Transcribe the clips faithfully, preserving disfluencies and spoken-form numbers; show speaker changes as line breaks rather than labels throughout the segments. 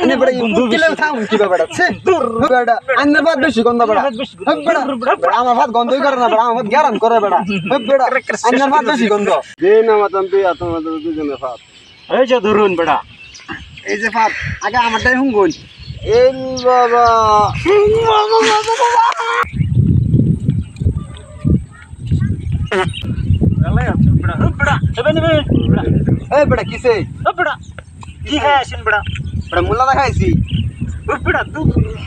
আনে বড় কিলে থাম কি বেটা ছে বেটা আনে ভাত বেশি গন্ধ বেটা বেটা আমার ভাত গন্ধই করে না বেটা আমার ভাত গ্যারান করে বেটা বেটা আনে ভাত বেশি গন্ধ
দে না মাতাম তুই এত মাতাম দুজনে ভাত
এই যে ধরুন বেটা
এই যে ভাত আগে আমারটাই হুঙ্গুন
এই বাবা
আলাই আছে বেটা বেটা এবে নেবে বেটা
এই বেটা কিসে
বেটা কি খাইছেন বেটা
বেটা মুলা দেখাইছি
বেটা তুই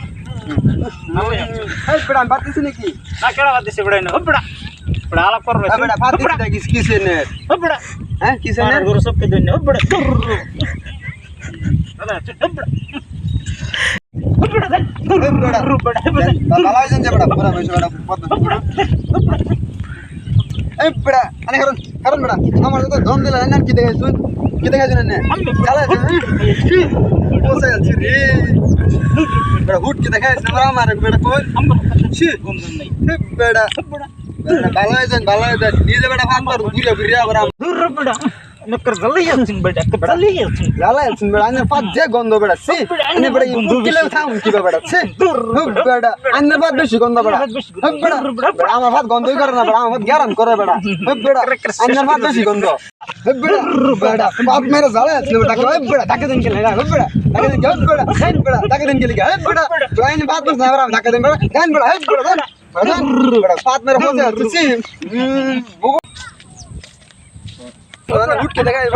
এই বেটা আমি ভাত দিছি নাকি
না কেডা বাদ দিছে বেটা না বেটা বেটা আলাপ করবে
এই বেটা ভাত দিছি নাকি কিসে নে
বেটা
হ্যাঁ কিসে নে
গরু সবকে দেন বেটা বেটা বেটা
বাবা আইছেন যে বেটা পুরা বসে বেটা এই বেটা আনে কারণ কারণ বেটা আমার তো দম দিলা না কি দেখাইছুন কি দেখাইছুন না চালা কি বসে আছি রে বেটা হুট কি দেখাইছ না আমার বেটা কই ছি
গন্ধ নাই
বেটা বেটা ভালো আইছেন ভালো আইছেন নিজে বেটা ভাত কর ঘুরে ঘুরে আবার
দূর বেটা নকর জল্দি আছেন বেটা জল্দি আছেন
লালা আছেন বেটা আনে পাঁচ যে গন্ধ বেটা ছি আনে বেটা কিলে থাম কি বেটা ছি বেটা আনে ভাত বেশি গন্ধ বেটা বেটা বেটা আমার ভাত গন্ধই করে না বেটা আমার ভাত গ্যারান করে বেটা বেটা আনে ভাত বেশি গন্ধ বেটা বেটা বাপ মেরে জ্বালা আছে বেটা কই বেটা ঢাকা দেন কেলে না বেটা ঢাকা দেন কেউ বেটা হেন বেটা ঢাকা দেন কেলে হে বেটা আইন ভাত বস না বেটা ঢাকা দেন বেটা হেন বেটা হে বেটা বেটা বাপ মেরে বসে আছে ছি उठ के देखा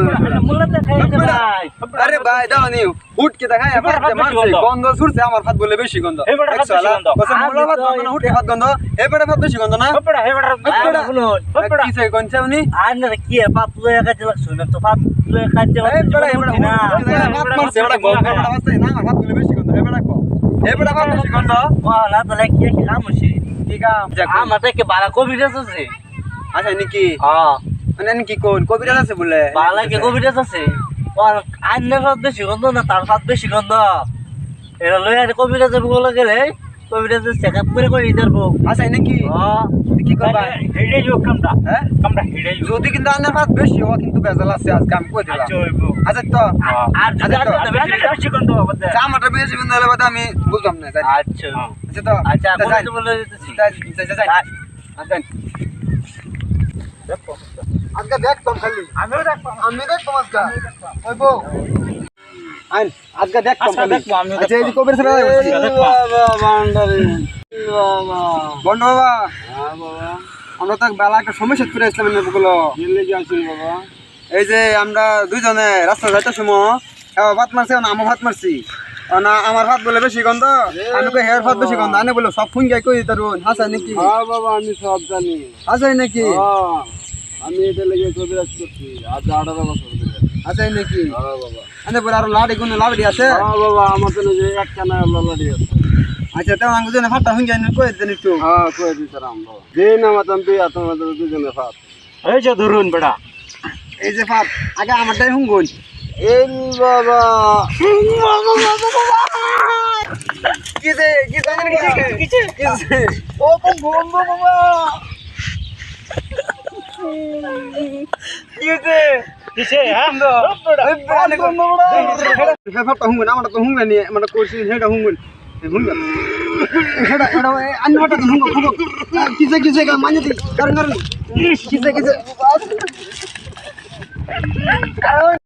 अरे भाई दाও নি उठ के देखा मारছে গন্ধ ছুটছে আমার ভাত বলে বেশি গন্ধ
এই বেটা ভাত বেশি গন্ধ
কসম মোলা ভাত গন্ধ না উঠে ভাত গন্ধ এই বেটা ভাত বেশি গন্ধ না
বেটা এই বেটা শুনুন বেটা
কিসে গন্ধছে উনি
আর না কি পাপ লয়ে কাছে লাগছ না তো পাপ লয়ে কাছে
এই বেটা এই বেটা ভাত মারছে বেটা গন্ধ বেটা মারছে না আমার ভাত বলে বেশি গন্ধ এই বেটা কো এই বেটা ভাত বেশি গন্ধ
ওয়ালা তো লাগি কি খামছি
ঠিক আছে
আমাতে কি বালা কবিরাজ আছে
আচ্ছা নাকি
হ্যাঁ
মানে কি কোন কবিরাজ আছে বলে
বালা কি কবিরাজ আছে আর আন্নার ভাত বেশি গন্ধ না তার ভাত বেশি গন্ধ এরা লয়ে আর কবিরাজে বলে গেলে কবিরাজে চেকআপ করে করে দিরবো
আচ্ছা নাকি
হ্যাঁ
কি করবা
হেডে যোগ কামটা
হ্যাঁ
কামটা হেডে
যদি কিন্তু আন্নার ভাত বেশি হয় কিন্তু বেজাল আছে আজকে আমি কই দিলাম আচ্ছা তো
আর যদি বেশি গন্ধ হবে
জামাটা বেশি গন্ধ হলে বাদে আমি বুঝলাম না
আচ্ছা
আচ্ছা তো
আচ্ছা বলে বলে দিতেছি
আচ্ছা আজকে দেখতাম খালি
আমিও দেখব
আমি দেখতাম আজকে ওই বউ আইন আজকে দেখতাম
আজকে
খালি
দেখবো, আমিও
আচ্ছা এই
দেখবো।
যে কবির সাথে বলছি
বাবা বান্ডারি বাবা
বন্ধ বাবা
হ্যাঁ বাবা
আমরা তো বেলা একটা সমস্যা করে আসলাম না বগুলো
কি লেগে আছেন বাবা
এই যে আমরা দুইজনে রাস্তা যাইতে সময় ভাত মারছি না আমার ভাত মারছি না আমার ভাত বলে বেশি গন্ধ আমি কই হেয়ার ভাত বেশি গন্ধ আনে বলে সব ফোন গাই কই তারুন হাসা নাকি
হ্যাঁ বাবা আমি সব জানি
হাসাই নাকি
হ্যাঁ আমি এটা লেগে কবিরাজ করছি আজ আঠারো বছর ধরে
হাসাই নাকি
হ্যাঁ বাবা
আনে বলে আর লাড়ি কোন লাড়ি আছে
হ্যাঁ বাবা আমার তো যে একখানা ললাডি আছে
আচ্ছা তেমন আমি দুজনে ভাতটা হুন গাই কই দেন একটু
হ্যাঁ কই দিতাম বাবা দে না মাতাম তুই এত মাতাম দুজনে ভাত
এই যে ধরুন বেটা
এই যে ভাত আগে আমারটাই হুঙ্গুন
এই বাবা
কিসে কিসে কিসে কিসে ও বন্ধু বাবা কিসে
কিসে হ্যাঁ
ভাতটা হুঙ্গুন আমারটা তো হুঙ্গুন নি আমারটা করছি হেটা হুঙ্গুন হুঙ্গুন হেটা হেটা আন্না ভাতটা হুঙ্গুন হুঙ্গুন কিসে কিসে মানে কারণ কারণ কিসে কিসে